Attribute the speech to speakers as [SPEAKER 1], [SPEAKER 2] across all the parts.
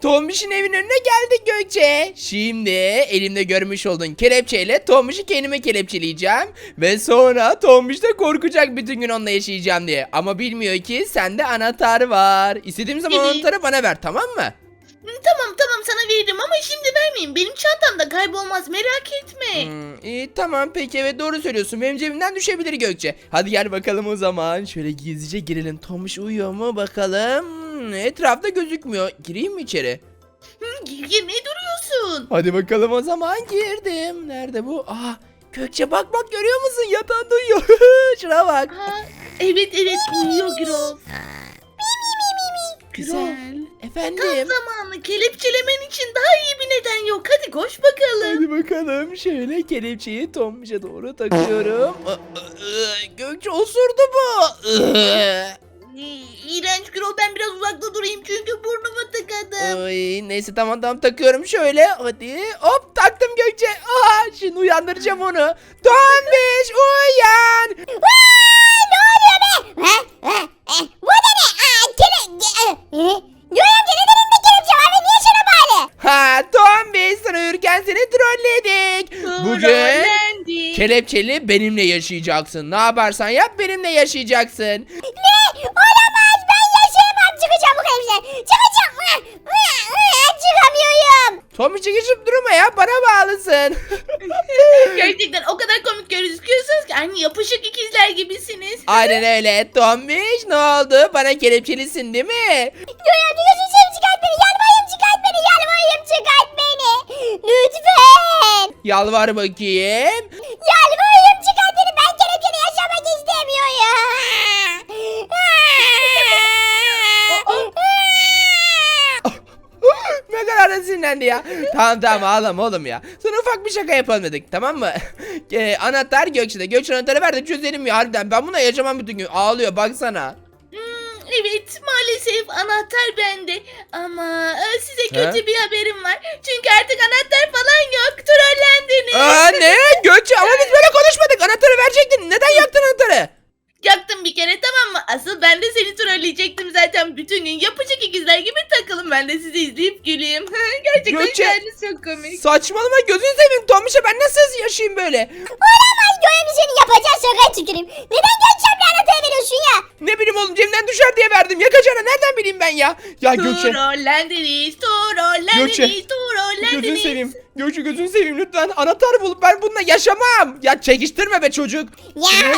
[SPEAKER 1] Tombiş'in evinin önüne geldik Gökçe. Şimdi elimde görmüş olduğun kelepçeyle Tombiş'i kendime kelepçeleyeceğim. Ve sonra Tombiş de korkacak bütün gün onunla yaşayacağım diye. Ama bilmiyor ki sende anahtar var. İstediğim zaman
[SPEAKER 2] Evet.
[SPEAKER 1] anahtarı bana ver, tamam mı?
[SPEAKER 2] Tamam sana veririm ama şimdi vermeyin. Benim çantamda kaybolmaz, merak etme.
[SPEAKER 1] İyi tamam, peki, evet doğru söylüyorsun. Benim cebimden düşebilir Gökçe. Hadi gel bakalım o zaman. Şöyle gizlice girelim. Tombiş uyuyor mu bakalım. Etrafta gözükmüyor. Gireyim mi içeri?
[SPEAKER 2] Gir, ne duruyorsun?
[SPEAKER 1] Hadi bakalım o zaman, girdim. Nerede bu? Gökçe bak görüyor musun? Yatağında uyuyor. Şuna bak.
[SPEAKER 2] Evet uyuyor Gürol.
[SPEAKER 1] Güzel.
[SPEAKER 2] Tam
[SPEAKER 1] Efendim.
[SPEAKER 2] zamanı, kelepçelemen için daha iyi bir neden yok. Hadi koş bakalım.
[SPEAKER 1] Hadi bakalım. Şöyle kelepçeyi Tombiş'e doğru takıyorum. Gökçe osurdu bu.
[SPEAKER 2] İğrenç Gürol, ben biraz uzakta durayım çünkü burnumu tıkadım.
[SPEAKER 1] Ay, neyse tamam takıyorum şöyle. Hadi hop taktım Gökçe. Şimdi uyandıracağım onu. Tombiş uyan.
[SPEAKER 3] Ne oluyor be? Bu da ne? Göğe amca neden elimde kelepçe var ve niye sana bağlı?
[SPEAKER 1] Tombiş, sana uyurken seni trolledik. Bugün
[SPEAKER 2] Trollendik.
[SPEAKER 1] kelepçeli benimle yaşayacaksın. Ne yaparsan yap benimle yaşayacaksın.
[SPEAKER 3] Ne? Olamaz, ben yaşayamam, çıkacağım bu kelepçeden. Çıkacağım. Çıkamıyorum.
[SPEAKER 1] Tombiş geçip durma ya, bana bağlısın.
[SPEAKER 2] Gerçekten o kadar komik gözüküyorsunuz ki aynı yapışık ikizler gibisiniz.
[SPEAKER 1] Aynen öyle. Tombiş ne oldu? Bana kelepçelisin değil mi?
[SPEAKER 3] Göğe amca gözünü seveyim, çıkart beni. Yalvarayım, çıkart beni. Yalvarayım, çıkart beni. Lütfen.
[SPEAKER 1] Yalvar bakayım.
[SPEAKER 3] Yalvarayım, çıkart beni. Ben kelepçeli yaşamak istemiyorum.
[SPEAKER 1] Ne kadar da sinirlendi ya. Tamam ağlama oğlum ya. Sana ufak bir şaka yapalım dedik, tamam mı? Anahtar Gökçe'de. Gökçe anahtarı ver de çözelim ya harbiden. Ben buna yaşamam bütün gün. Ağlıyor baksana.
[SPEAKER 2] Evet, maalesef anahtar bende ama size
[SPEAKER 1] He?
[SPEAKER 2] kötü bir haberim var. Çünkü artık anahtar falan yok, trollendiniz.
[SPEAKER 1] Ne? Gökçe ama biz böyle konuşmadık. Anahtarı verecektin. Neden yaktın anahtarı?
[SPEAKER 2] Yaktım bir kere, tamam mı? Asıl ben de seni trolleyecektim zaten, bütün gün yapışık ikizler gibi takılın, ben de sizi izleyip güleyim. Gerçekten
[SPEAKER 1] Gökçe,
[SPEAKER 2] hikayeniz çok komik.
[SPEAKER 1] Saçmalama, gözünü seveyim Tombiş'e, ben nasıl yaşayayım böyle?
[SPEAKER 3] Olamaz, Göğe amca senin yapacağın şakaya tüküreyim. Neden Gökçem'le anahtarı veriyorsun ya?
[SPEAKER 1] Ne bileyim oğlum, cebimden düşer diye verdim. Yakacağına nereden bileyim ben ya? Ya Gökçe.
[SPEAKER 2] Trollendiniz,
[SPEAKER 1] Gökçe,
[SPEAKER 2] trollendiniz,
[SPEAKER 1] Gözünü
[SPEAKER 2] trollendiniz.
[SPEAKER 1] seveyim. Gökçe gözünü seveyim lütfen. Anahtar bulup ben bununla yaşamam. Ya çekiştirme be çocuk.
[SPEAKER 3] Ya.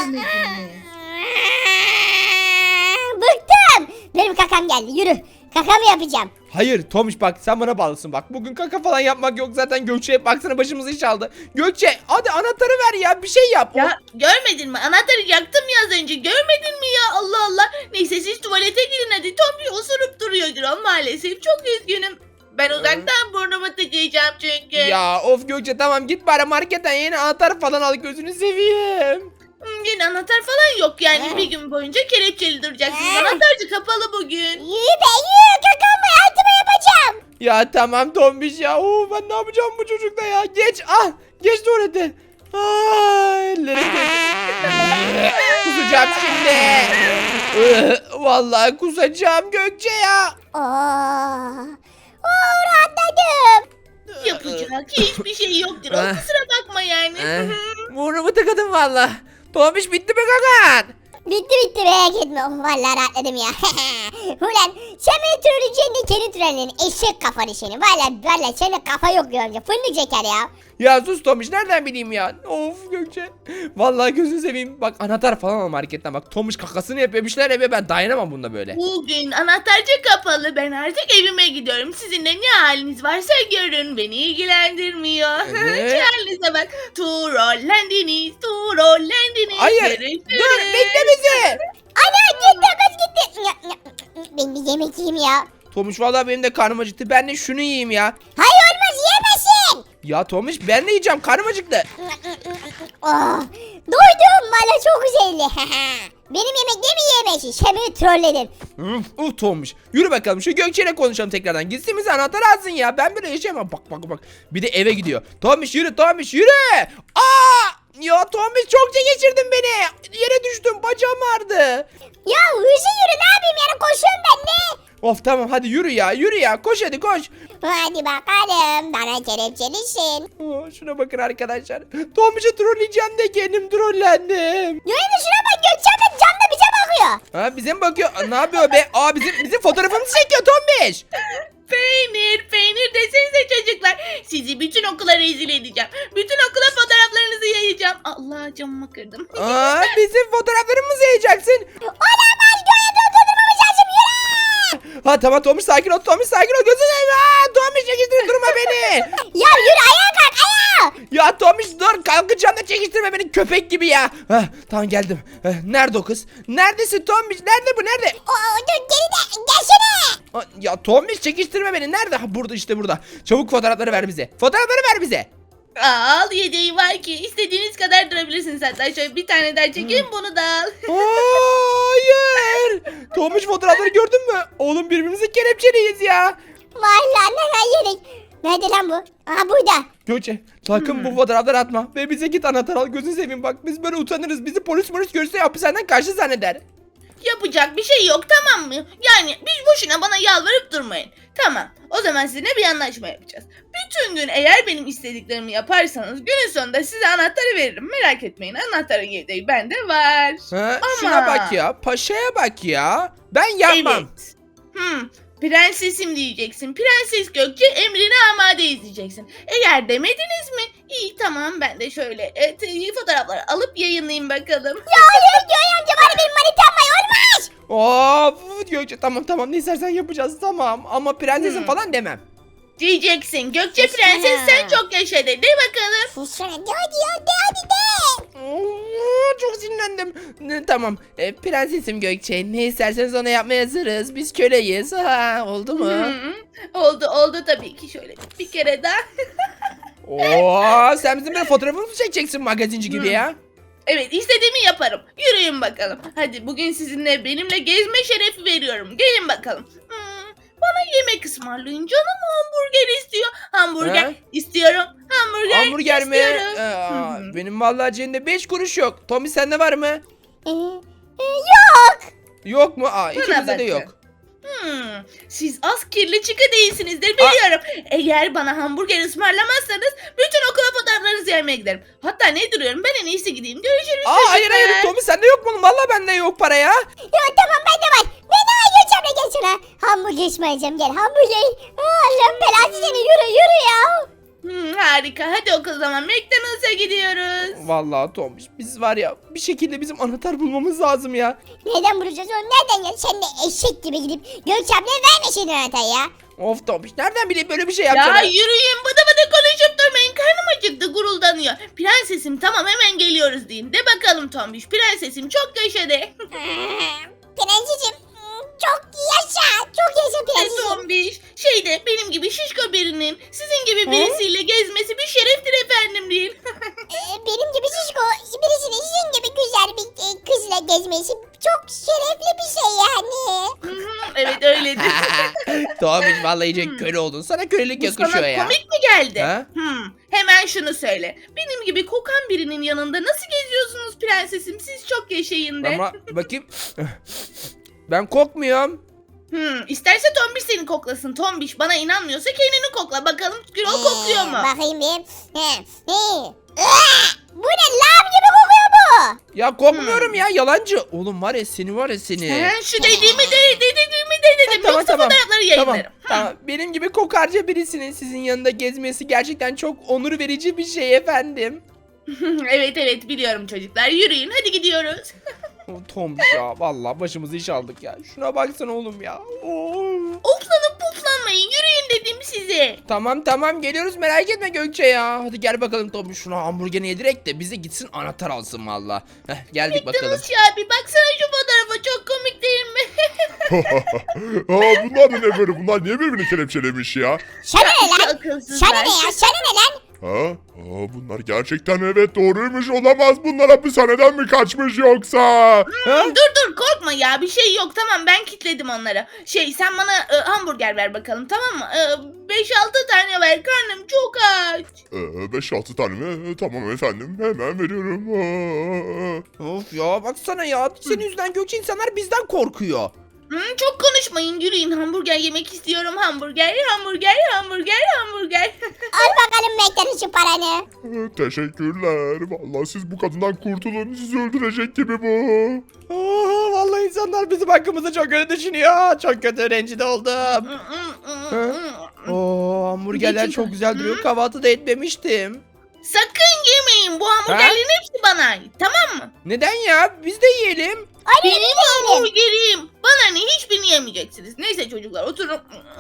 [SPEAKER 3] Bıktım. Benim kakam geldi, yürü. Kakamı yapacağım.
[SPEAKER 1] Hayır Tomiş, bak sen bana bağlısın bak. Bugün kaka falan yapmak yok zaten. Gökçe baksana başımızı iş aldı. Gökçe hadi anahtarı ver ya, bir şey yap.
[SPEAKER 2] Ya görmedin mi? Anahtarı yaktım ya az önce. Görmedin mi ya? Allah Allah. Neyse siz tuvalete gidin hadi. Tombi osurup duruyor Gürol maalesef. Çok üzgünüm. Ben uzaktan burnumu tıkayacağım çünkü.
[SPEAKER 1] Ya of Gökçe, tamam git bari marketten yeni anahtar falan al, gözünü seveyim.
[SPEAKER 2] Yine anahtar falan yok yani. Bir gün boyunca kelepçeli duracaksınız. Anahtarcı kapalı bugün.
[SPEAKER 3] Yürü be, yürü. Kakamı altıma yapacağım.
[SPEAKER 1] Ya tamam Tombiş ya. Ben ne yapacağım bu çocukla ya. Geç geç tuvalete. Ellerim kusacağım şimdi. Vallahi kusacağım Gökçe ya.
[SPEAKER 3] Rahatladım.
[SPEAKER 2] Yapacak hiçbir şey yok Gürol. Kusura bakma yani.
[SPEAKER 1] Burnumu tıkadım valla. Tombiş bitti mi kakan?
[SPEAKER 3] Bitti merak etme. Oh, vallahi rahatladım ya. Ulan sen beni trolleyeceksin de kendi trollerin eşek kafanı seni. Vallahi senin kafa yok Göğe amca. Fındık şeker ya.
[SPEAKER 1] Ya sus Tomiş, nereden bileyim ya. Of Gökçe. Vallahi gözünü seveyim. Bak anahtar falan al marketten, bak Tomiş kakasını yapıyor, bir şeyler yapıyor, ben dayanamam bunda böyle.
[SPEAKER 2] Bugün anahtarcı kapalı. Ben artık evime gidiyorum. Sizin de ne haliniz varsa görün. Beni ilgilendirmiyor.
[SPEAKER 1] Evet.
[SPEAKER 2] Şu halinize bak. Trollendiniz. Trollendiniz.
[SPEAKER 1] Hayır
[SPEAKER 2] Görüşürüz.
[SPEAKER 1] dur, bekle bizi.
[SPEAKER 3] Ana gitti kız gitti. Ben bir yemek yiyeyim ya.
[SPEAKER 1] Tomiş vallahi benim de karnım acıktı, ben de şunu yiyeyim ya.
[SPEAKER 3] Hayır olmaz, yiyemezsin.
[SPEAKER 1] Ya Tomiş ben de yiyeceğim, karnım acıktı.
[SPEAKER 3] Oh, doydum valla, çok güzeldi. Benim yemeklerimi yiyemezsin. Sen beni trolledin.
[SPEAKER 1] Tomiş. Yürü bakalım şu Gökçe'yle konuşalım tekrardan. Gitsin bize anahtar alsın ya. Ben böyle yaşayamam. Bak. Bir de eve gidiyor. Tomiş yürü Tomiş yürü. Ya Tomiş çok geçirdin beni. Yere düştüm, bacağım ağrıdı.
[SPEAKER 3] Ya hızlı yürü, ne yapayım yani, koşuyorum ben ne?
[SPEAKER 1] Of tamam hadi yürü ya yürü ya koş hadi koş.
[SPEAKER 3] Hadi bakalım bana kelepçelisin.
[SPEAKER 1] Şuna bakın arkadaşlar. Tombiş'i trolleyeceğim de kendim trollendim.
[SPEAKER 3] Görüyor şuna bak Gökçe abla camda bize bakıyor.
[SPEAKER 1] Ha bize mi bakıyor? Ne yapıyor be? Aa bizim fotoğrafımızı çekiyor Tombiş.
[SPEAKER 2] Peynir desenize çocuklar. Sizi bütün okula rezil edeceğim. Bütün okula fotoğraflarınızı yayacağım. Allah camımı kırdım.
[SPEAKER 1] Aa bizim fotoğraflarımızı yiyeceksin.
[SPEAKER 3] Olamaz Gökçe durdurmamız lazım yürü.
[SPEAKER 1] Ha tamam Tombiş sakin ol Tombiş sakin ol. Gözünü seveyim. Aa Tombiş çekiştirme durma beni.
[SPEAKER 3] Ya yürü ayağa kalk ayağa.
[SPEAKER 1] Ya Tombiş dur kalkacağım da çekiştirme beni köpek gibi ya. Heh, tamam geldim. Nerede o kız? Neredesin Tombiş? Nerede bu nerede?
[SPEAKER 3] Dur geride gelsene.
[SPEAKER 1] Ya Tombiş çekiştirme beni. Nerede? Ha, burada işte burada. Çabuk fotoğrafları ver bize. Fotoğrafları ver bize.
[SPEAKER 2] Al yedeği var ki istediğiniz kadar durabilirsiniz hatta şöyle bir tane daha çekeyim bunu da al.
[SPEAKER 1] Hayır. Tombiş fotoğrafları gördün mü? Oğlum birbirimizi kelepçeliyiz ya.
[SPEAKER 3] Vallahi ne yedik. Nerede lan bu? Aha burada.
[SPEAKER 1] Gökçe sakın bu fotoğrafları atma. Ve bize git anahtar al. Gözünü seveyim bak. Biz böyle utanırız. Bizi polis görse hapishaneden kaçtı zanneder.
[SPEAKER 2] Yapacak bir şey yok tamam mı? Yani biz boşuna bana yalvarıp durmayın. Tamam o zaman sizinle bir anlaşma yapacağız. Bütün gün eğer benim istediklerimi yaparsanız günün sonunda size anahtarı veririm. Merak etmeyin anahtarın yedeği bende var.
[SPEAKER 1] Ha,
[SPEAKER 2] Ama-
[SPEAKER 1] şuna bak ya. Paşaya bak ya. Ben yapmam.
[SPEAKER 2] Evet. Prensesim diyeceksin. Prenses Gökçe emrine amade izleyeceksin. Eğer demediniz mi? İyi tamam ben de şöyle fotoğrafları alıp yayınlayayım bakalım.
[SPEAKER 3] Ya hayır Göğe amca bana benim manitam var olmaz.
[SPEAKER 1] Of Gökçe tamam ne istersen yapacağız tamam. Ama prensesim falan demem.
[SPEAKER 2] Diyeceksin. Gökçe
[SPEAKER 3] Sus
[SPEAKER 2] prenses
[SPEAKER 3] sana.
[SPEAKER 2] sen çok yaşa de. De bakalım.
[SPEAKER 3] Susana de hadi de.
[SPEAKER 1] Çok sinirlendim. Tamam. Prensesim Gökçe. Ne isterseniz ona yapmaya hazırız. Biz köleyiz. Ha, oldu mu?
[SPEAKER 2] Oldu tabii ki şöyle bir kere daha.
[SPEAKER 1] Oo, sen bizim böyle fotoğrafımızı çekeceksin magazinci gibi ya.
[SPEAKER 2] Evet istediğimi yaparım. Yürüyün bakalım. Hadi bugün sizinle benimle gezme şerefi veriyorum. Gelin bakalım. Bana yemek ısmarlayın. Canım hamburger istiyor. Hamburger
[SPEAKER 1] Ha?
[SPEAKER 2] istiyorum. Hamburger
[SPEAKER 1] mi?
[SPEAKER 2] istiyorum.
[SPEAKER 1] Benim vallahi cebimde 5 kuruş yok. Tommy sende var mı?
[SPEAKER 3] Yok.
[SPEAKER 1] Yok mu? İkimizde de
[SPEAKER 2] bakın.
[SPEAKER 1] yok.
[SPEAKER 2] Siz az kirli çıkı değilsinizdir biliyorum. Eğer bana hamburger ısmarlamazsanız bütün okula fotoğraflarınızı yemeye giderim. Hatta ne duruyorum ben en iyisi gideyim. Görüşürüz
[SPEAKER 1] Hayır
[SPEAKER 2] çocuklar.
[SPEAKER 1] Tommy sende yok mu? Vallahi bende yok para ya.
[SPEAKER 3] Ya tamam bende var. Ben de Gökçe abla gel şuna. Hamburger ısmarlayacağım gel hamburger. Allah'ım belası seni yürü ya.
[SPEAKER 2] Harika hadi o zaman McDonald's'a gidiyoruz.
[SPEAKER 1] Vallahi Tommy biz var ya bir şekilde bizim anahtar bulmamız lazım ya.
[SPEAKER 3] Neden bulacağız onu nereden gel? Sen de eşek gibi gidip Gökçe ablaya vermeseydin anahtarı ya.
[SPEAKER 1] Of Tommy nereden bileyim böyle bir şey
[SPEAKER 2] Ya
[SPEAKER 1] yapacağını?
[SPEAKER 2] yürüyün bıdı bıdı konuşup durmayın karnım acıktı guruldanıyor. Prensesim tamam hemen geliyoruz deyin. De bakalım Tombiş prensesim çok yaşa de.
[SPEAKER 3] Prensesim çok yaşa. Çok yaşa prensesim.
[SPEAKER 2] Tombiş benim gibi şişko birinin sizin gibi birisiyle gezmesi bir şereftir efendim değil.
[SPEAKER 3] Benim gibi şişko birisinin sizin gibi güzel bir kızla gezmesi çok şerefli bir şey yani.
[SPEAKER 2] Evet öyledir.
[SPEAKER 1] Tommy vallahi iyice köle oldun. Sana kölelik
[SPEAKER 2] Bu
[SPEAKER 1] yakışıyor
[SPEAKER 2] sana
[SPEAKER 1] ya.
[SPEAKER 2] komik mi geldi?
[SPEAKER 1] Ha?
[SPEAKER 2] Hemen şunu söyle. Benim gibi kokan birinin yanında nasıl geziyorsunuz prensesim? Siz çok yaşayın de.
[SPEAKER 1] Ama bakayım. Ben kokmuyorum.
[SPEAKER 2] İsterse Tombiş seni koklasın. Tombiş bana inanmıyorsa kendini kokla. Bakalım Gürol kokuyor mu?
[SPEAKER 3] Bakayım bir. Bu ne lav gibi kokuyor bu.
[SPEAKER 1] Ya kokmuyorum ya yalancı. Oğlum var ya seni.
[SPEAKER 2] Şu dediğimi de dedim.
[SPEAKER 1] Tamam,
[SPEAKER 2] Yoksa
[SPEAKER 1] tamam.
[SPEAKER 2] fotoğrafları yayınlarım.
[SPEAKER 1] Tamam. Benim gibi kokarca birisinin sizin yanında gezmesi gerçekten çok onur verici bir şey efendim.
[SPEAKER 2] Evet biliyorum çocuklar. Yürüyün hadi gidiyoruz.
[SPEAKER 1] Tom ya vallahi başımızı iş aldık ya. Şuna baksana oğlum ya.
[SPEAKER 2] Oflanıp puflanmayın. Yürüyün dedim size.
[SPEAKER 1] Tamam geliyoruz merak etme Gökçe ya. Hadi gel bakalım Tom şuna hamburgerini yedirek de bize gitsin anahtar alsın valla. Geldik bakalım.
[SPEAKER 2] McDonald's ya abi baksana şu fotoğrafa çok komik değil mi?
[SPEAKER 4] Bunlar da ne böyle? Bunlar niye birbirini kelepçelemiş ya?
[SPEAKER 3] Sana ne lan?
[SPEAKER 2] Akılsızlar.
[SPEAKER 3] Sana ne ya? Sana ne lan?
[SPEAKER 4] Bunlar gerçekten evet doğruymuş olamaz. Bunlar hapishaneden mi kaçmış yoksa?
[SPEAKER 2] Dur korkma ya bir şey yok tamam ben kilitledim onları. Sen bana hamburger ver bakalım tamam mı? 5-6 tane ver karnım çok aç.
[SPEAKER 4] 5-6 tane mi? Tamam efendim hemen veriyorum.
[SPEAKER 1] Of ya baksana ya senin yüzünden Gökçe insanlar bizden korkuyor.
[SPEAKER 2] Çok konuşmayın, yürüyün. Hamburger yemek istiyorum. Hamburger, hamburger, hamburger, hamburger.
[SPEAKER 3] Al bakalım McDonald's şu paranı.
[SPEAKER 4] Teşekkürler. Vallahi siz bu kadından kurtulun. Sizi öldürecek gibi bu.
[SPEAKER 1] Vallahi insanlar bizim hakkımızda çok kötü düşünüyor. Çok kötü rencide oldum. Oo, hamburgerler
[SPEAKER 2] Geçin.
[SPEAKER 1] çok güzel duruyor. Kahvaltı da etmemiştim.
[SPEAKER 2] Sakın yemeyin. Bu hamburgerlerin hepsi bana ait. Tamam mı?
[SPEAKER 1] Neden ya? Biz de yiyelim.
[SPEAKER 2] Benim hamburgerim. Bana ne, hiçbirini yemeyeceksiniz. Neyse çocuklar, oturun.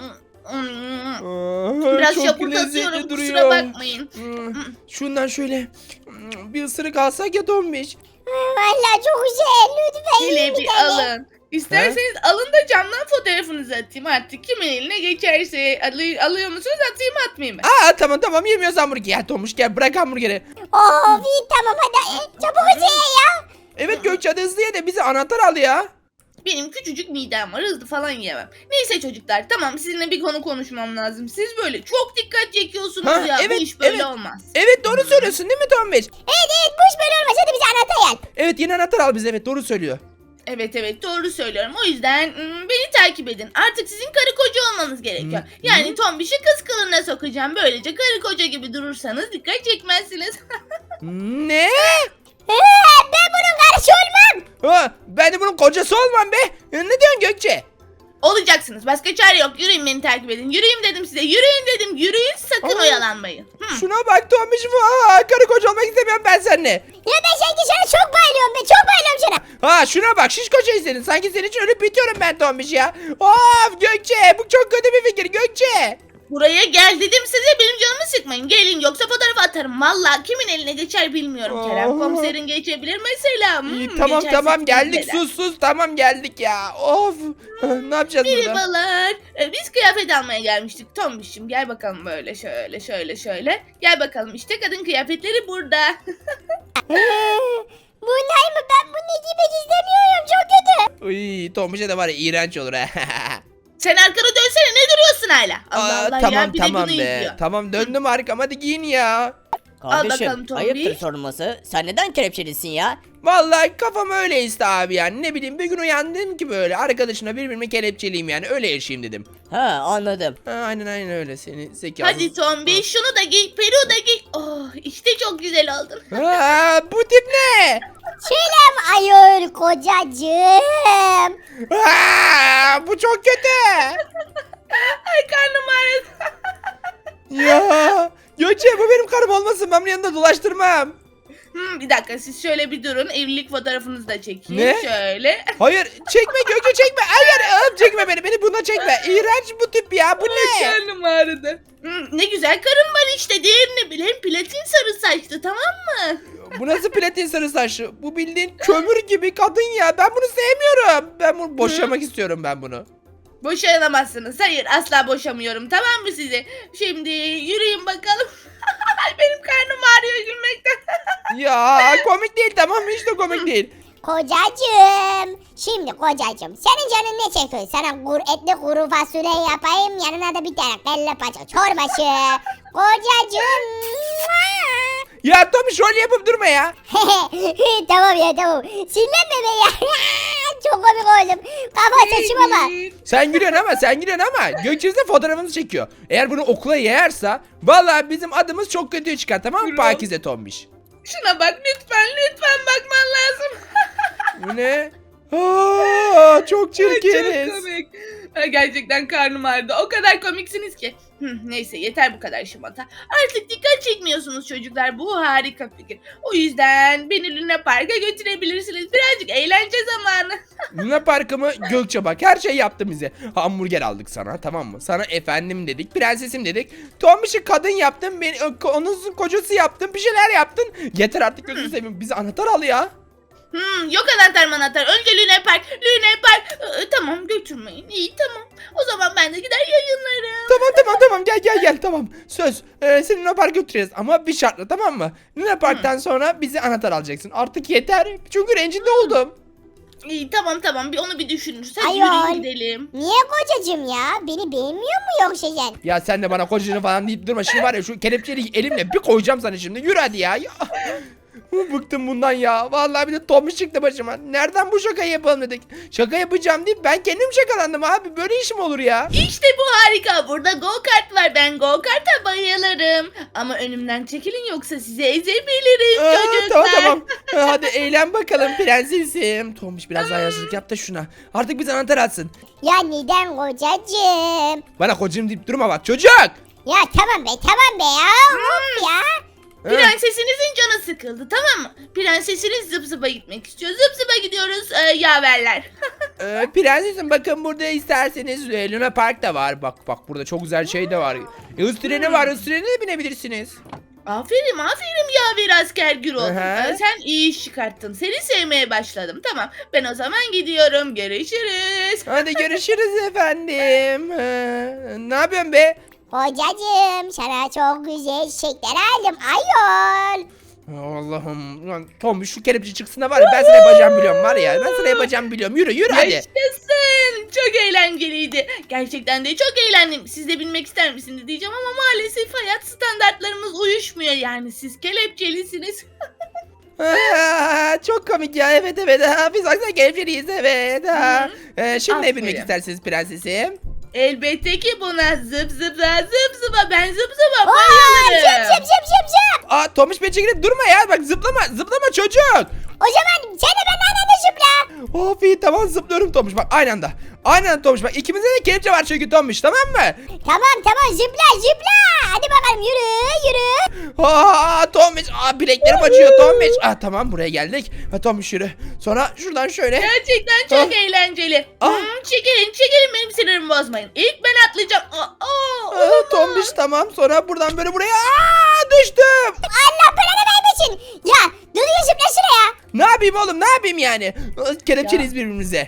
[SPEAKER 2] Biraz
[SPEAKER 1] çok
[SPEAKER 2] şapurdatıyorum,
[SPEAKER 1] lezzetli
[SPEAKER 2] kusura bakmayın.
[SPEAKER 1] Şundan şöyle bir ısırık alsak ya Tombiş.
[SPEAKER 3] Valla çok güzel. Lütfen yiyin
[SPEAKER 2] Hele
[SPEAKER 3] bir
[SPEAKER 2] bir
[SPEAKER 3] tane.
[SPEAKER 2] alın. İsterseniz alın da camdan fotoğrafınızı atayım artık. Kimin eline geçerse alıyor musunuz, atayım atmayayım ben.
[SPEAKER 1] Tamam yemiyoruz hamburger. Ya Tombiş gel bırak hamburgeri.
[SPEAKER 3] Of iyi tamam hadi. Çabuk ye ya.
[SPEAKER 1] Evet Gökçe hadi hızlı ye de bize anahtar al ya.
[SPEAKER 2] Benim küçücük midem var, hızlı falan yiyemem. Neyse çocuklar, tamam, sizinle bir konu konuşmam lazım. Siz böyle çok dikkat çekiyorsunuz
[SPEAKER 1] Ha,
[SPEAKER 2] ya.
[SPEAKER 1] evet,
[SPEAKER 2] Bu iş böyle
[SPEAKER 1] evet.
[SPEAKER 2] olmaz.
[SPEAKER 1] Evet doğru söylüyorsun değil mi Tombiş?
[SPEAKER 3] Evet bu iş böyle olmaz. Hadi bize anahtar al.
[SPEAKER 1] Evet yeni anahtar al bize, evet doğru söylüyor.
[SPEAKER 2] Evet doğru söylüyorum. O yüzden beni takip edin. Artık sizin karı koca olmanız gerekiyor. Yani Tombiş'i kız kılığına sokacağım. Böylece karı koca gibi durursanız dikkat çekmezsiniz.
[SPEAKER 1] Ne?
[SPEAKER 3] Ben bunun karısı olmam.
[SPEAKER 1] Ben de bunun kocası olmam be. Ne diyorsun Gökçe?
[SPEAKER 2] Olacaksınız. Başka çare yok. Yürüyün, beni takip edin. Yürüyün dedim size. Yürüyün dedim. Yürüyün, sakın oyalanmayın.
[SPEAKER 1] Şuna bak Tombiş. Karı koca olmak istemiyorum ben seninle.
[SPEAKER 3] Ya ben sanki sana çok bayılıyorum be. Çok bayılıyorum sana.
[SPEAKER 1] Şuna bak şiş koca istedin. Sanki senin için ölüp bitiyorum ben Tombiş ya. Of Gökçe bu çok kötü bir fikir Gökçe.
[SPEAKER 2] Buraya gel dedim size, benim canımı sıkmayın. Gelin, yoksa fotoğraf atarım. Vallahi kimin eline geçer bilmiyorum Kerem. Komiserin geçebilir mesela.
[SPEAKER 1] İyi,
[SPEAKER 2] Geçerse
[SPEAKER 1] tamam geldik
[SPEAKER 2] neden?
[SPEAKER 1] sus tamam geldik ya. Of. Ne yapacağız burada?
[SPEAKER 2] Merhabalar. Biz kıyafet almaya gelmiştik. Tombiş'im gel bakalım, böyle şöyle. Gel bakalım, işte kadın kıyafetleri burada.
[SPEAKER 3] Bunlar mı? Ben bunu giymek istemiyorum. Çok kötü.
[SPEAKER 1] Uy Tombiş'e de var ya iğrenç olur ha.
[SPEAKER 2] Sen arkana dönsene, ne duruyorsun hala? Allah Allah ya, bir de
[SPEAKER 1] tamam
[SPEAKER 2] bunu
[SPEAKER 1] be.
[SPEAKER 2] izliyor.
[SPEAKER 1] Tamam döndüm arkama hadi giyin ya.
[SPEAKER 2] bakalım
[SPEAKER 5] Kardeşim
[SPEAKER 2] Tombi.
[SPEAKER 5] ayıptır sorulması. Sen neden kelepçelisin ya?
[SPEAKER 1] Vallahi kafam öyle iste abi yani. Ne bileyim bir gün uyandım ki böyle arkadaşına birbirime kelepçeliyim yani öyle yaşayayım dedim.
[SPEAKER 5] Ha anladım.
[SPEAKER 1] Aynen öyle seni zekasız.
[SPEAKER 2] Hadi Tombi, şunu da giy, peruğu da giy. Oh, işte çok güzel oldun.
[SPEAKER 1] Bu tip ne?
[SPEAKER 3] Selam ayol kocacığım.
[SPEAKER 1] Bu çok kötü.
[SPEAKER 2] Ay, karnım ağrıdı.
[SPEAKER 1] Ya Gökçe bu benim karım olmasın ben bunun yanında dolaştırmam.
[SPEAKER 2] Bir dakika, siz şöyle bir durun, evlilik fotoğrafınızı da çekeyim.
[SPEAKER 1] Ne?
[SPEAKER 2] Şöyle.
[SPEAKER 1] Hayır çekme Gökçe çekme. Hayır çekme beni buna çekme. İğrenç bu tip ya bu ne?
[SPEAKER 2] Karnım ağrıdı. Ne güzel karın var işte, diğerini bile. Hem platin sarı saçlı, tamam mı?
[SPEAKER 1] Bu nasıl platin sarı saçlı? Bu bildiğin kömür gibi kadın ya. Ben bunu sevmiyorum. Ben bunu boşamak istiyorum ben bunu.
[SPEAKER 2] Boşayamazsınız. Hayır, asla boşamıyorum, tamam mı size? Şimdi yürüyün bakalım. Benim karnım ağrıyor gülmekten.
[SPEAKER 1] Ya komik değil tamam mı? Hiç de komik değil.
[SPEAKER 3] Kocacığım. Şimdi kocacığım. Senin canın ne çekiyor? Sana etli kuru fasulye yapayım. Yanına da bir tane kelle paça çorbası. Kocacığım.
[SPEAKER 1] Ya Tommy şöyle yapıp durma ya.
[SPEAKER 3] Tamam ya tamam. Sinirlenme be ya. Çok komik oldum. Kafa saçıma bak.
[SPEAKER 1] Sen gülüyorsun ama Gökçe de fotoğrafını çekiyor. Eğer bunu okula yayarsa vallahi bizim adımız çok kötüye çıkar tamam mı
[SPEAKER 2] Yürü.
[SPEAKER 1] Pakize Tombiş?
[SPEAKER 2] Şuna bak, lütfen bakman lazım.
[SPEAKER 1] Bu ne? Çok çirkiniz.
[SPEAKER 2] Çok komik. Gerçekten karnım ağrıdı. O kadar komiksiniz ki. Neyse, yeter bu kadar şımata. Artık dikkat çekmiyorsunuz çocuklar. Bu harika fikir. O yüzden beni Luna Park'a götürebilirsiniz. Birazcık eğlence zamanı.
[SPEAKER 1] Luna Park'ı mı? Gökçe bak her şey yaptı bize. Hamburger aldık sana tamam mı? Sana efendim dedik, prensesim dedik. Tombiş'i kadın yaptın, onun kocası yaptın, bir şeyler yaptın. Yeter artık gözünü seveyim. Bize anahtar al ya.
[SPEAKER 2] Yok anahtar. Önce Luna Park. Tamam, götürmeyin. İyi, tamam. O zaman ben de gider yayınlarım.
[SPEAKER 1] Tamam gel tamam. Söz seni Luna Park'a götüreceğiz ama bir şartla tamam mı? Luna Park'tan sonra bize anahtar alacaksın. Artık yeter. Çünkü rencide oldum.
[SPEAKER 2] İyi, tamam. Onu bir düşünürüz. Hadi
[SPEAKER 3] Ayol.
[SPEAKER 2] yürüyün gidelim.
[SPEAKER 3] Niye kocacığım ya? Beni beğenmiyor mu yoksa sen?
[SPEAKER 1] Ya sen de bana kocacığını falan deyip durma. Şimdi var ya şu kelepçeyi elimle bir koyacağım sana şimdi. Yürü hadi ya. Bıktım bundan ya. Vallahi bir de Tomuş çıktı başıma. Nereden bu şakayı yapalım dedik. Şaka yapacağım deyip ben kendim şakalandım abi. Böyle işim olur ya.
[SPEAKER 2] İşte bu harika. Burada go kart var. Ben go kart'a bayılırım. Ama önümden çekilin yoksa sizi ezebilirim çocuklar.
[SPEAKER 1] Tamam. Hadi eğlen bakalım prensesim. Tomuş biraz daha yaşlılık yap da şuna. Artık bize anahtar atsın.
[SPEAKER 3] Ya neden kocacığım?
[SPEAKER 1] Bana kocam deyip durma bak çocuk.
[SPEAKER 3] Ya tamam be ya. Of ya.
[SPEAKER 2] Prensesinizin canı sıkıldı, tamam mı? Prensesiniz zıp zıpa gitmek istiyor. Zıp zıpa gidiyoruz yaverler.
[SPEAKER 1] Prensesim bakın burada isterseniz Luna Park da var. Bak burada çok güzel şey de var. Hız treni var. Hız trenine de binebilirsiniz.
[SPEAKER 2] Aferin yaver asker Gürol.
[SPEAKER 1] Aha.
[SPEAKER 2] Sen iyi iş çıkarttın. Seni sevmeye başladım. Tamam, ben o zaman gidiyorum. Görüşürüz.
[SPEAKER 1] Hadi görüşürüz efendim. Ne yapıyorsun be?
[SPEAKER 3] Kocacığım sana çok güzel çiçekler aldım ayol.
[SPEAKER 1] Allah'ım. Lan Tom şu kelepçe çıksın da var ya ben sana yapacağımı biliyorum var ya. Ben sana yapacağımı biliyorum. Yürü hadi.
[SPEAKER 2] Yaşasın. Çok eğlenceliydi. Gerçekten de çok eğlendim. Siz de bilmek ister misiniz diyeceğim ama maalesef hayat standartlarımız uyuşmuyor. Yani siz kelepçelisiniz.
[SPEAKER 1] Çok komik ya evet. Biz aslında kelepçeliyiz evet. Şimdi ne bilmek
[SPEAKER 2] Aferin.
[SPEAKER 1] istersiniz prensesim?
[SPEAKER 2] Elbette ki buna zıp zıpla ben zıp zıpa
[SPEAKER 3] Aa,
[SPEAKER 2] bayılırım.
[SPEAKER 3] zıp.
[SPEAKER 1] Aa Tomuş beni çekilip durma ya. Bak zıplama çocuk.
[SPEAKER 3] O zaman sen de benden de zıpla.
[SPEAKER 1] Of iyi tamam zıplıyorum Tomuş bak aynı anda. Aynı anda Tomuş bak ikimizde de kelepçe var çünkü Tomuş tamam mı?
[SPEAKER 3] Tamam zıpla. Hadi bakalım yürü.
[SPEAKER 1] Aa Tomuş bileklerim acıyor Tomuş. Tamam buraya geldik. Tomuş yürü. Sonra şuradan şöyle.
[SPEAKER 2] Gerçekten çok eğlenceli. Çekilin benim sinirimi bozmayın. İlk ben atlayacağım.
[SPEAKER 1] Tomuş tamam sonra buradan böyle buraya. Düştüm.
[SPEAKER 3] Allah belanı vermesin. Ya düzgün zıpla şuraya.
[SPEAKER 1] Ne yapayım oğlum ne yapayım yani? Kelepçeliyiz birbirimize.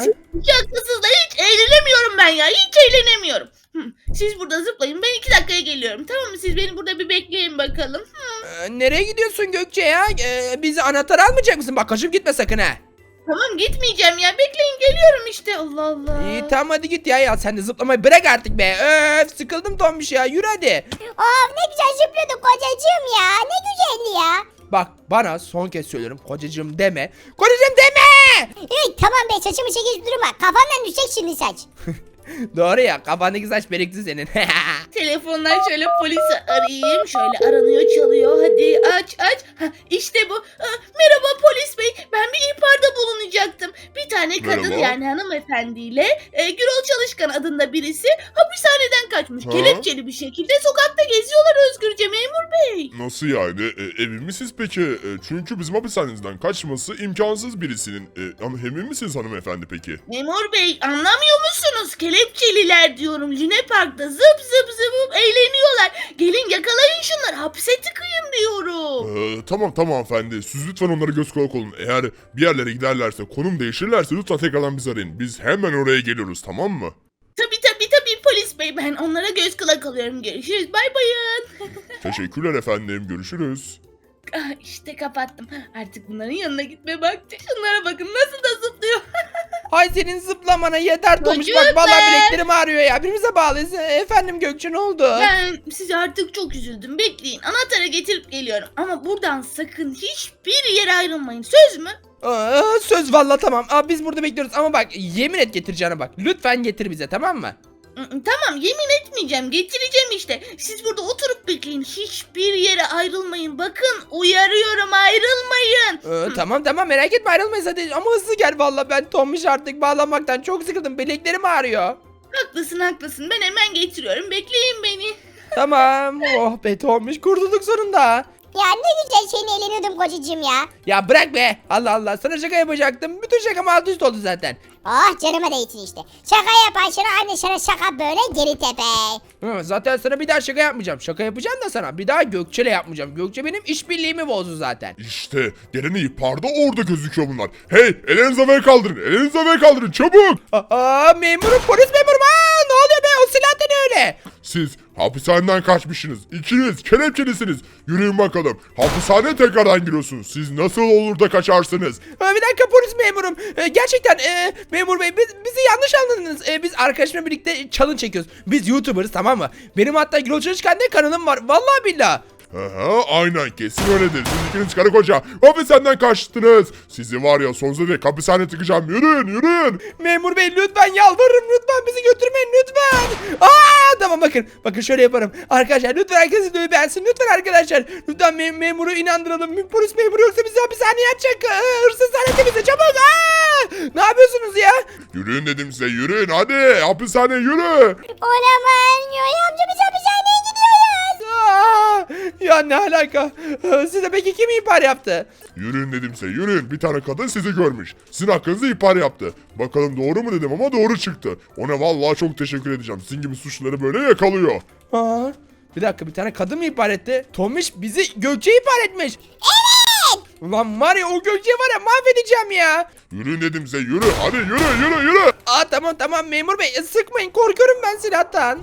[SPEAKER 2] Şakasız da hiç eğlenemiyorum ben ya. Hiç eğlenemiyorum. Siz burada zıplayın. Ben 2 dakikaya geliyorum. Tamam mı? Siz beni burada bir bekleyin bakalım.
[SPEAKER 1] Nereye gidiyorsun Gökçe ya? Bizi anahtar almayacak mısın? Bak kaçıp gitme sakın ha.
[SPEAKER 2] Tamam gitmeyeceğim ya. Bekleyin geliyorum işte. Allah Allah.
[SPEAKER 1] İyi tamam hadi git ya sen de zıplamayı bırak artık be. Sıkıldım Tomuş ya yürü hadi.
[SPEAKER 3] Of ne güzel zıplıyorduk kocacığım ya. Ne güzeldi ya.
[SPEAKER 1] Bak bana son kez söylüyorum kocacığım deme. Kocacığım deme.
[SPEAKER 3] Evet tamam be saçımı çekip durma. Kafamdan düşecek şimdi saç.
[SPEAKER 1] Doğru ya kafandaki saç birikti senin.
[SPEAKER 2] Telefondan şöyle polisi arayayım. Şöyle aranıyor çalıyor. Hadi aç. İşte bu. Merhaba polis bey. Ben bir ihbarda bulunacaktım. Bir tane kadın
[SPEAKER 4] Merhaba.
[SPEAKER 2] yani hanımefendiyle Gürol Çalışkan adında birisi hapishaneden kaçmış.
[SPEAKER 4] Ha?
[SPEAKER 2] Kelepçeli bir şekilde sokakta geziyorlar özgürce memur bey.
[SPEAKER 4] Nasıl yani? Emin misiniz peki? Çünkü bizim hapishanemizden kaçması imkansız birisinin. Emin misiniz hanımefendi peki?
[SPEAKER 2] Memur bey anlamıyor musunuz? Kelepçeliler diyorum. Lune Park'ta zıp eğleniyorlar. Gelin yakalayın şunları. Hapse tıkayın diyorum.
[SPEAKER 4] Tamam hanımefendi. Siz lütfen onlara göz kulak olun. Eğer bir yerlere giderlerse, konum değişirlerse lütfen tekrardan bizi arayın. Biz hemen oraya geliyoruz tamam mı?
[SPEAKER 2] Tabii polis bey. Ben onlara göz kulak alıyorum. Görüşürüz. Bay bayın.
[SPEAKER 4] Teşekkürler efendim. Görüşürüz.
[SPEAKER 2] İşte kapattım. Artık bunların yanına gitme vakti. Şunlara bakın nasıl da zıplıyor.
[SPEAKER 1] Hay senin zıplamana yeter Tomuş bak
[SPEAKER 2] Çocuklar.
[SPEAKER 1] vallahi bileklerim ağrıyor ya. Birbirimize bağlıyız. Efendim Gökçe ne oldu?
[SPEAKER 2] Ben size artık çok üzüldüm. Bekleyin. Anahtarı getirip geliyorum. Ama buradan sakın hiçbir yere ayrılmayın. Söz mü?
[SPEAKER 1] Söz vallahi tamam. Biz burada bekliyoruz ama bak yemin et getireceğine bak. Lütfen getir bize tamam mı?
[SPEAKER 2] Tamam yemin etmeyeceğim. Getireceğim işte. Siz burada oturup bekleyin. Hiçbir yere ayrılmayın. Bakın uyarıyorum ayrılmayın.
[SPEAKER 1] Tamam merak etme ayrılmayız hadi ama hızlı gel vallahi ben Tomuş artık bağlanmaktan çok sıkıldım bileklerim ağrıyor.
[SPEAKER 2] Haklısın. Ben hemen getiriyorum. Bekleyin beni.
[SPEAKER 1] Tamam oh be Tomuş kurtulduk sonunda.
[SPEAKER 3] Ya ne güzel seni eğleniyordum kocacığım ya.
[SPEAKER 1] Ya bırak be Allah Allah sana şaka yapacaktım bütün şakam alt üst oldu zaten.
[SPEAKER 3] Oh canıma değsin işte. Şaka yapan anne sana şaka böyle geri tepe.
[SPEAKER 1] Zaten sana bir daha şaka yapmayacağım. Şaka yapacağım da sana bir daha Gökçe'yle yapmayacağım. Gökçe benim işbirliğimi bozdu zaten.
[SPEAKER 4] İşte geleni ihbarda orada gözüküyor bunlar. Hey ellerinizi havaya kaldırın. Ellerinizi havaya kaldırın çabuk.
[SPEAKER 1] Memurum polis memurum. Ne oluyor be o silah da ne öyle?
[SPEAKER 4] Siz hapishaneden kaçmışsınız. İkiniz kelepçelisiniz. Yürüyün bakalım. Hapishaneye tekrardan giriyorsunuz. Siz nasıl olur da kaçarsınız?
[SPEAKER 1] Bir dakika polis memurum. Gerçekten memur bey bizi yanlış anladınız. Biz arkadaşımla birlikte challenge çekiyoruz. Biz YouTuber'ız tamam mı? Benim hatta Gürol Çalışkan diye kanalım var. Vallahi billah.
[SPEAKER 4] Aha, aynen kesin öyledir. Siz ikiniz karı koca hapishaneden kaçtınız. Sizi var ya sonsuza dek hapishaneye tıkacağım. Yürüyün yürüyün.
[SPEAKER 1] Memur bey lütfen yalvarırım, lütfen bizi götürmeyin lütfen. Tamam bakın şöyle yaparım. Arkadaşlar lütfen herkes videoyu beğensin lütfen arkadaşlar. Lütfen memuru inandıralım. Polis memuru yoksa bizi hapishaneye atacak. Hırsız zannetti bizi çabuk. Ne yapıyorsunuz ya?
[SPEAKER 4] Yürüyün dedim size yürüyün hadi hapishaneye yürü.
[SPEAKER 3] Olamaz. Yoy amca biz hapishaneye gidiyoruz.
[SPEAKER 1] Ya ne alaka? Size peki kim ihbar yaptı?
[SPEAKER 4] Yürüyün dedim size yürüyün. Bir tane kadın sizi görmüş. Sizin hakkınızda ihbar yaptı. Bakalım doğru mu dedim ama doğru çıktı. Ona vallahi çok teşekkür edeceğim. Sizin gibi suçluları böyle yakalıyor.
[SPEAKER 1] Bir dakika bir tane kadın mı ihbar etti? Tomiş bizi Gökçe ihbar etmiş.
[SPEAKER 3] Evet.
[SPEAKER 1] Ulan var ya o Gökçe'yi var ya mahvedeceğim ya.
[SPEAKER 4] Yürüyün dedim size yürü. Hadi yürü.
[SPEAKER 1] Tamam memur bey sıkmayın korkuyorum ben silahtan.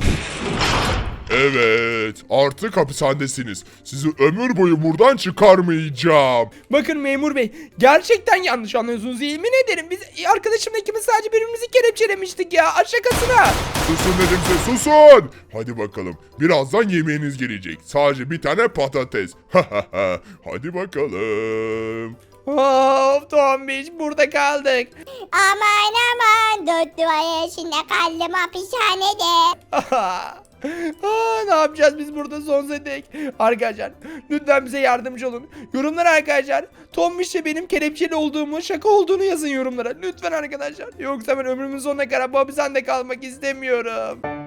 [SPEAKER 4] Evet artık hapishanedesiniz. Sizi ömür boyu buradan çıkarmayacağım.
[SPEAKER 1] Bakın memur bey gerçekten yanlış anlıyorsunuz yemin ederim. Biz arkadaşımla ikimiz sadece birbirimizi kelepçelemiştik ya şakasına.
[SPEAKER 4] Susun dedim size susun. Hadi bakalım birazdan yemeğiniz gelecek. Sadece bir tane patates. Hadi bakalım.
[SPEAKER 1] Of Tombiş burada kaldık.
[SPEAKER 3] Aman 4 duvar içinde kaldım hapishanede.
[SPEAKER 1] Ne yapacağız biz burada sonsuza dek? Arkadaşlar lütfen bize yardımcı olun. Yorumlara arkadaşlar Tombiş'le benim kelepçeli olduğumu şaka olduğunu yazın yorumlara. Lütfen arkadaşlar. Yoksa ben ömrümün sonuna kadar bu hapishanede kalmak istemiyorum.